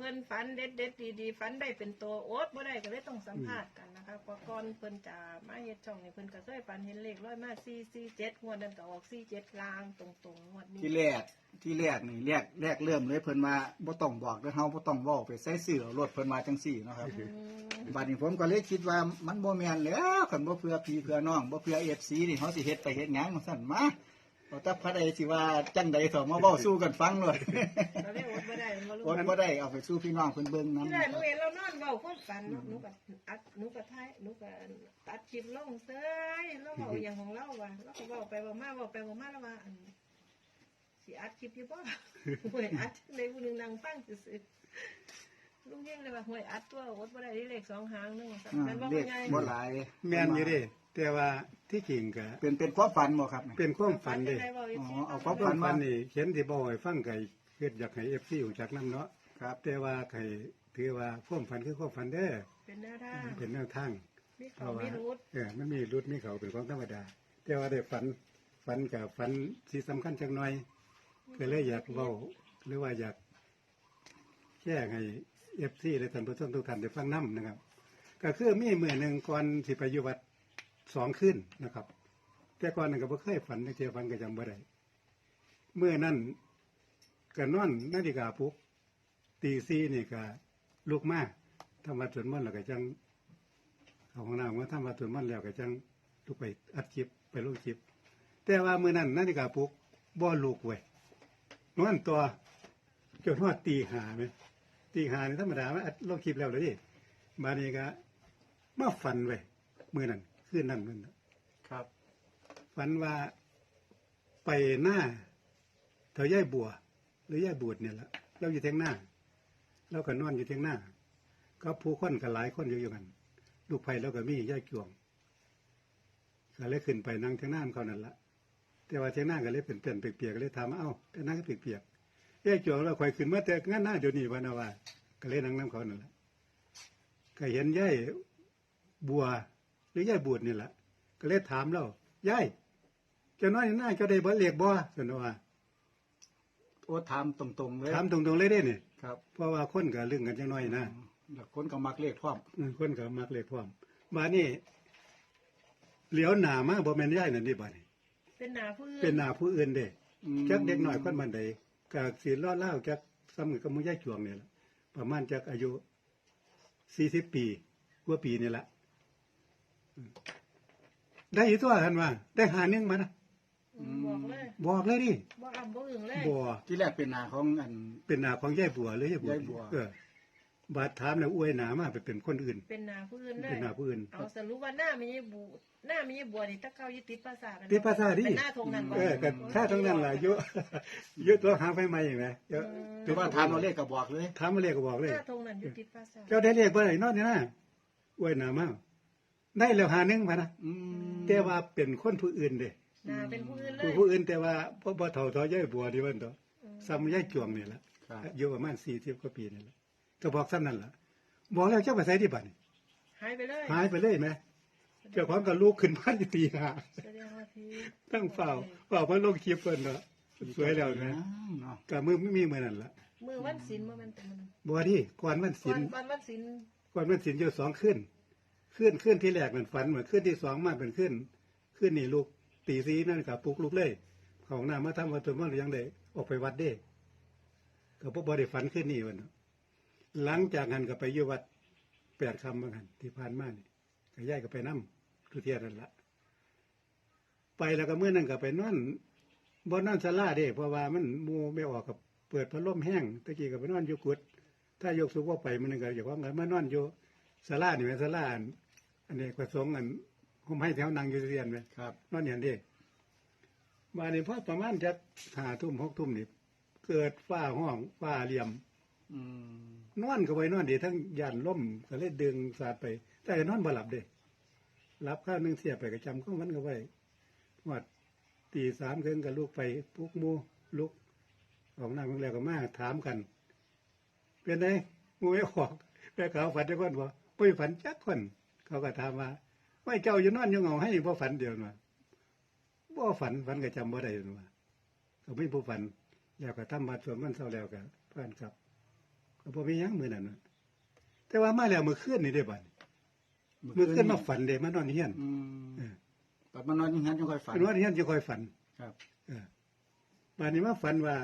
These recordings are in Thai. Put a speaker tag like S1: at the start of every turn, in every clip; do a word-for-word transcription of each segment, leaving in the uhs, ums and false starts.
S1: เพิ่นฝันเด็ดเด็ดดีๆฝันได้เป็นตัวโอ๊ตบ่ได้ก็เลยต้องสัมภาษณ์กันนะคะเพราะก่อนเพิ่นจะมาเฮ็ดช่องนี่เพิ่นก็เคยฝันเห็นเลขร้อยมาสี่ สี่ เจ็ดงวดนั้นก็ออกสี่ เจ็ดลางตรงๆงวดนี้
S2: ที่แรกที่แรกนี่แรกแรกเริ่มเลยเพิ่นมาบ่ต้องบอกเด้อเฮาบ่ต้องเว้าไปใส่เสื้อรถเพิ่นมาจังซี่เนาะครับบัดนี้ผมก็เลยคิดว่ามันบ่แม่นแล้วคันบ่เพื่อพี่เพื่อน้องบ่เพื่อ เอฟ ซี นี่เฮาสิเฮ็ดไปเฮ็ดหยังซั่นมาเอาแต่พระใดสิว่าจังใดสอมาเว้าสู้กันฟังเลย
S1: เราได้อดบ่ได้บ่รู้
S2: คนบ่ได้เอาไปสู้พี่น้องเพิ่นเบิ่งนำ
S1: ที่แรกหนูเห็นเรานอนเว้าความฝันเนาะหนูก็อัดหนูก็ถ่ายหนูก็ตัดคลิปลงเซ้ยแล้วเว้าอย่างของเราว่ะแล้วก็เว้าไปเว้ามาเว้าไปเว้ามาแล้วว่าอันสิอัดคลิปอยู่บ่ห่วยอัดในผู้หนึงนั่งฟังซื่อๆลุงเฮงเลยว่าห่วยอัดตัวอดบ่ได้เลขสองหางนึงซั่นแม่นบ่
S2: เลข
S1: ไง
S2: บ่หลาย
S3: แม่นอยู่เดิแต่ว่าที่จริงก็
S2: เป็นเป็นความฝันบ่ครับ
S3: เป็นความฝันเด้
S2: อ๋อเอาความ
S3: ความฝันนี่เขียนที่บ่ให้ฟังก็เฮ็ดอยากให้ เอฟ ซี รู้จักนํเนาะ
S2: ครับ
S3: แต่ว่าให้ถือว่าความฝันคือความฝันเด้อ
S1: เป็นแนวทาง
S3: เป็นแนวทาง
S1: มี
S3: เพ
S1: เขา
S3: ราะว่า
S1: มีรูท
S3: เออมันมีรุดมีเขาเป็นของธรรมดา แต่ว่าได้ฝันฝันกับฝันที่สำคัญจักหน่อยก็เลยอยากเว้าหรือว่าอยากแจ้งให้ เอฟ ซี และท่านผู้ชมทุกท่านได้ฟังนํนะครับ ก็คือมีมื้อหนึงก่อนสิไปอยู่วัดสองคืนนะครับ แต่ก่อนนั้นก็บ่เคยฝันจักเที่ยฝันก็จำบ่ได้มื้อนั้นก็นอนนาฬิกาปลุกตีสี่นี่ก็ลุกมาทำวัดสวดมนต์แล้วก็จังเอาห้องน้ำมาทำวัดสวดมนต์แล้วก็จังลุกไปอัดคลิปไปลงคลิป แต่ว่ามื้อนั้นนาฬิกาปลุกบ่ลุกเว้ยนอนตัวจนฮอดตีห้าแม่ตีห้านี่ธรรมดามันอัดลงคลิปแล้วเลยดิบัดนี้ก็มาฝันเว้ยมื้อนั้นคืนนั้นมื้อนั้น
S2: ครับ
S3: ฝันว่าไปหน้าเถาย่ายบัว หรือย่ายบูดเนี่ยแหละเราอยู่เทียงหน้าเราก็นอนอยู่เทียงหน้า ก็ผู้คนก็หลายคนอยู่อยู่กันลูกไผ่เราก็มีย่ายจวงก็เลยขึ้นไปนั่งเทียงหน้าเขานั่นละแต่ว่าเทียงหน้าก็เลยเป็นเปลี่ยนเปียกๆก็เลยถามว่าเอ้าแต่นั่งก็เปียกๆย่ายจวงเราคอยขึ้นมาแต่งั้นหน้าเดี๋ยวนี้วันว่าก็เลยนั่งน้ำเขานั่นแหละก็เห็นย่ายบัว หรือย่ายบูดนี่แหละก็เลยถามเราย่ายเจ้าน้อยหน้าเจ้าได้บ่เรียกบ่สนว่า
S2: โอ้ถามตรงๆเลย
S3: ถามตรงๆเลยเด้นี่
S2: ครับ
S3: เพราะว่าคนก็เรื่องกันจังน้อยนะ
S2: แล้วคนก็มักเลขพร้อม
S3: อืมคนก็มักเลขพร้อมมานี่เหลียวหน้ามาบ่แม่นย่ายนั่นนี่บัดนี้
S1: เป็นหนาผู้อื่น
S3: เป็นหน้าผู้อื่นเด้
S2: อืม
S3: จักเด็กน้อยคนบันใดก็สิรอดเล่าจักซ้ำกับมื้อย่ายจวงนี่ล่ะประมาณจักอายุสี่สิบปีกว่าปีนี่ล่ะอืมได้อยู่ตัวกันว่าได้หาหนึงมานะ
S1: อืมบอกเลย
S3: บอกเลยดิ
S1: บ่อ่ำบ่อึ่งเลย
S3: บ่
S2: ที่แรกเป็นหน้าของอัน
S3: เป็นหน้าของยายบัวหรือยายบัวย
S2: ายบัว
S3: เออบาดถามแล้วอวยหน้ามาไปเป็นคนอื่น
S1: เป็นหนาผู้อื่นเลย
S3: เป็นหน้าผู้อื่น
S1: เอาสรุปว่าหน้ามีบูหน้ามีบัวนี่ตะเกายึดติดภาษาท
S3: ติดภาษาดิ
S1: เป็นหน้าทงนั้นบ่
S3: เออก็ถ้าตรงนั้นล่ะเยอะเยอะตัวหาไฟใหม่อย่างไรเยอะ
S2: ถือว่าถามเอาเลขก็บอกเลย
S3: ถามมาเรียกก็บอกเลย
S1: หน้าทงนั้นยึดติดภาษาท
S3: เจ้าได้เรียกบ่ได้นอนนี่นะอวยหน้ามาได้แล้วหาหนึงพะนะ
S2: อืม
S3: แต่ว่าเป็นคนผู้อื่นเด้
S1: หน้าเป็นผู้อื่นเล
S3: ผู้
S1: ย
S3: ผู้อื่นแต่ว่าบ่บ่เฒ่าเฒ่ายายบัวที่ว่าตัวซ้ำยายจวงนี่ล่ะ
S2: ครับ
S3: อายุประมาณสี่สิบกว่าปีนี่ล่ะก็บอกซ้ำนั่นล่ะบอกแล้วเจ้าไปใส่ที่บัดนี่
S1: หายไปเลย
S3: หายไปเลยแหมเจ้าของก็ลุกขึ้นมาอยู่ตีห้า
S1: แสดงว่าพี่
S3: ตั้งเฝ้าเฝ้ามาลงคลิปเพิ่นเนาะสวยแล้วนะ
S2: เนาะ
S3: ก็มือไม่มีมื้อนั้นล่ะ
S1: มือวันศีลบ่แม่นแต่มัน
S3: บ่ที่ก่อนวัน
S1: ก่
S3: ศี
S1: อน
S3: ล
S1: วันวันศีล
S3: ก่อนวันศีลอยู่สองคืนคืนคืนที่แรกมันฝันเหมือนคืนที่สองมาเป็นคืนคืนนี่ลูกตีสีนั่นก็ปลุกลูกเลยเข้าห้องน้ำมาทำวัดตัวมันยังได้ออกไปวัดเด้ก็บ่บ่ได้ฝันคืนนี้วันเนาะหลังจากนั้นก็ไปอยู่วัดแปดคำบางหันที่ผ่านมานี่ก็ย้ายก็ไปนำทุเทียนั่นละไปแล้วก็เมื่อนั้นก็ไปนอนบ่นอนศาลาเด้เพราะว่ามันหมู่ไม่ออกกับเปิดพัดลมแห้งตะกี้ก็ไปนอนอยู่กุดถ้ายกสูงว่าไปมันนึงก็อย่าว่างั้นมานอนอยู่ศาลานี่แม่นศาลาอันอันนี้ก็สงฆ์อันผมให้แถวนั่งอยู่เรียนแม่
S2: ครับ
S3: นอนอย่างเด้มานี่พอประมาณจะห้าทุ่มหกทุ่มนี่เกิดฟ้าห้องฟ้าเหลี่ยม
S2: อืม
S3: นอนก็ไปนอนดีทั้งย่านล่มก็เลยดึงสาดไป แต่ก็นอนบ่หลับเด้หลับข้าวหนึงเสียไปก็จำของมันก็ไว้วัดตีสามครึ่งก็ลุกไปปลุกหมูลุกออกน้ำแล้วก็มาถามกัน เป็นไงงูไม่ออกแม่เขาฝันจักคนบ่บ่ฝันจักคน เขาก็ถามว่าไม่เจ้าอยู่นอนอยู่เหงาให้บ่ฝันเดียวมาบ่ฝันฝันก็จำบ่ได้ว่าก็ไม่ผู้ฝันแล้วก็ทำบัดส่วนมันเศร้าแล้วก็เพื่อนครับก็บ่มีหยังมื้อนั้นน่ะแต่ว่ามาแล้วมื้อคืนนี่เด้บัดมื้อคืนมาฝันเด้มานอนเฮียน
S2: อืม
S3: เออ
S2: บัดมานอนอย่างนั้นจังค่อยฝัน
S3: นอนเฮียนจะค่อยฝัน
S2: ครับ
S3: เออบัดนี้มาฝันว่า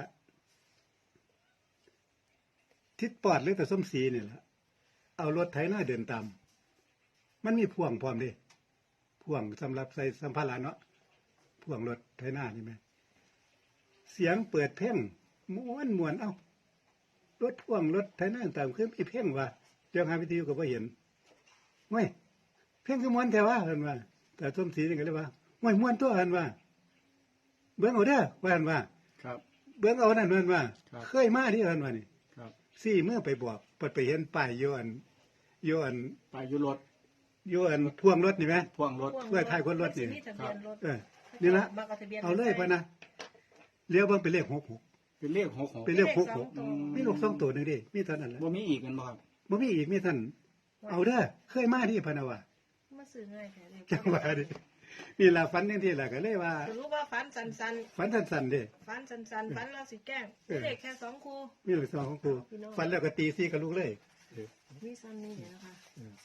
S3: ทิศปอดหรือแต่ส้มสีนี่ล่ะเอารถไถนาเดินตามมันมีพ่วงพร้อมเด้พ่วงสำหรับใส่สัมภาระเนาะพ่วงรถไถนานี่แม่เสียงเปิดเพลงม่วนม่วนเอ้ารถพ่วงรถไถนาตามคือมีเพลงว่าเจ้าหาวิทยุก็บ่เห็นเว้ยเพลงคือม่วนแท้ว่าเพิ่นว่า แต่ส้มสีนี่ก็เลยว่าโอ้ยม่วนตัวเพิ่นว่า เบิ่งเอาเด้อว่าเพิ่นว่า
S2: ครับ
S3: เบิ่งเอานั่นเพิ่นว่า
S2: ครับ
S3: เคยมาที่เพิ่นว่านี่
S2: ครับ
S3: ซี่เมื่อไปบอกเปิดไปเห็นป้ายอยู่อันอยู่อัน
S2: ไปอยู่รถ
S3: อยู่อันพ่วงรถนี่ไหม
S2: พ่วงรถ
S3: เพื่อท้ายคนรถนี่
S1: มีทะเบียนรถ
S3: เออนี่ละ
S1: บักทะบีน
S3: เอาเลยไปนะเลี้ยวเบิ่งเป็นเลขหกหก
S2: เป็นเลขหกหก
S3: เป็นเลขหกหก
S1: ตัว
S3: มีลูกสองตัวหนึงดิมีเท่านั้นแหละ
S2: บ่มีอีกกันบ่ครับ
S3: บ่มีอีกมีเท่านนเอาเด้อเคยมาที่พะนะว่า
S1: มาซื้อง่ายแท้เลย
S3: จังว่าดินี่ล่ะฝันจังซี่ล่ะก็เลยว่า
S1: รู้ว่าฝันสันสัน
S3: ฝันสั้นๆเด้
S1: ๆฝันสันสันๆฝันเราสิแกล้ง
S3: เออ
S1: เลขแค่สองคู่
S3: มีลูกสองของกูฝันแล้วก็ตีซี่กับลูกเลยเออ
S1: มีซ้ำนี่เดี๋ยวนะคะ
S3: เออ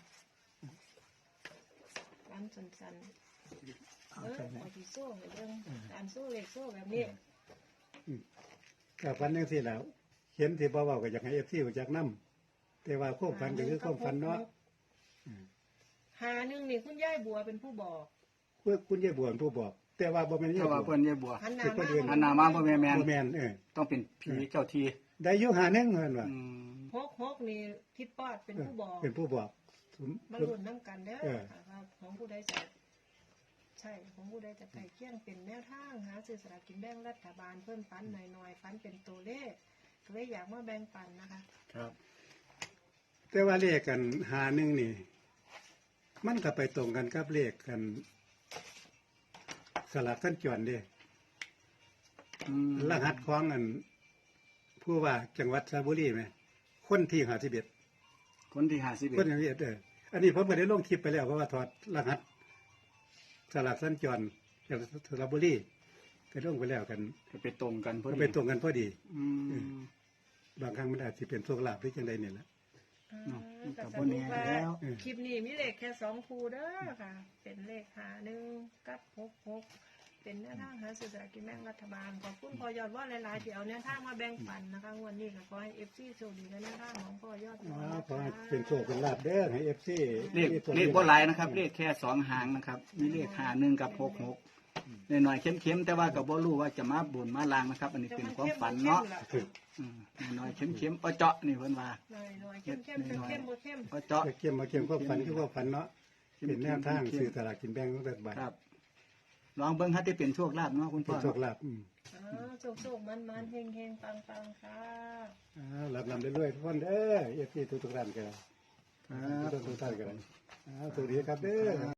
S1: ฝันสันสันๆ
S2: เอา
S1: เออ
S2: ใช่ไหม
S1: เอาที่โซ่ให้เรื่องการโซ่เลขโซ่แบบนี้
S3: ก็ฝันจังซี่แล้วเขียนที่บ่เว้าก็อยากให้ เอฟ ซี รู้จักนำแต่ว่าความฝันก็คือความฝันเนาะ
S1: หาหนึ่งนี่คุณยายบัวเป็นผู้บอก
S3: เพื่อคุณยายบวนผู้บอก แต่ว่าบ่แม่นยา
S2: ถ้าย
S3: บ
S2: ว่า
S3: วน
S2: เพิ่นยายบัว
S1: หันหน้า
S3: เป็นคนอื่น
S1: มา
S2: อันนามาบ่แม่นแม่น
S3: บ่แม่นเออ
S2: ต้องเป็นผีเจ้าที่
S3: ได้อยู่หาหนึงเพิ่นว่า
S2: อืม
S1: ฮกฮกนี่ทิดปอดเป็นผู้บอก
S3: เป็นผู้บอกสม
S1: มาลุ้นน้ำกันเด้อ
S3: เออ
S1: ค่ะว่าของผู้ใดจะใช่ของผู้ใดจะไก่เคี่ยงเป็นแนวทางหาซื้อสลากกินแบ่งรัฐบาลเพิ่มฟันหน่อยๆฟันเป็นตัวเลขก็เลยอยากมาแบ่งปันนะคะ
S2: ครับ
S3: แต่ว่าเลขกันหาหนึงนี่ มันก็ไปตรงกันกับเลขกัน สลับกันจวนเด้
S2: อืม
S3: รหัสของอัน ผู้ว่าจังหวัดสระบุรีไหมคนที่ห้าสิบเอ็ด
S2: คนที่ห้าสิบเอ็
S3: ค
S2: ด
S3: นที่ห้าสิบเอ็ดเอออันนี้ผมก็ได้ลงคลิปไปแล้วเพราะว่าถอดรหัสสลับสัญจรจากสระบุรีก็ลงไปแล้วกัน
S2: ก็ไปตรงกันพอ
S3: ก็
S2: ดี
S3: ไปตรงกันพอดี
S2: อืม
S3: บางครั้งมันอาจจะเป็นโชคลาภหรือจังใดเนี่ยแหละ
S2: เนาะ
S1: อ่า
S2: กั
S1: ก็
S2: บ
S1: ส
S2: บ่
S1: รุ
S2: แน่
S1: ปว่า
S2: แล้ว
S1: คลิปนี้มีเลขแค่สองคู่เด้อค่ะ เป็นเลขหาหนึ่งกับหกหกเป็นแนวทางหาซื้อสลากกินแบ่งรัฐบาลขอบคุณพอยอดว่าหลายๆที่เอาแนวทางมาแบ่งปันนะคะงวันนี้ก็ขอให้เอฟซีโชคดีกับแนวทางของพอยอด
S3: อ๋อ
S1: นะ
S3: ขอให้
S1: คะ
S3: เป็นโชคเป็นลาภเด้อให้เอฟซี
S2: เลขเลขบ่หลายนะครับ เลขแค่สองหางนะครับ มีเลขห้าหนึ่งกับหกหกหน่อยๆเข้มๆแต่ว่าก็บ่รู้ว่าจะมาบุญมาลางนะครับ อันนี้เป็นความฝันเนาะอืมหน่อยๆเข้มๆเอาเจาะนี่เพิ่นว่า
S1: หน่อยหน่อยเข้มเข้มเข้มเข้มบ่เข้ม
S2: เอาเจาะ
S3: เกี่ยมมาเกี่ยมความฝันคือความฝันเนาะเป็นแนวทางสื่อตลาดกินแบ่งของรัฐบาล
S2: ครับ ลองเบิ่งถ้าได้เป็นโชคลาภเนาะคุณพ่
S3: เป็
S2: อน
S3: โชคลาภอืม
S1: อ่าโชคโชคมันมันเฮงเฮงปังปังค่ะ
S3: อ่าหลับนำได้ด้วยทุกคนเด้อเอฟซีทุกๆท่านกัน
S2: ครับ
S3: ทุกๆท่านกันอ่าสวัสดีครับเด้อ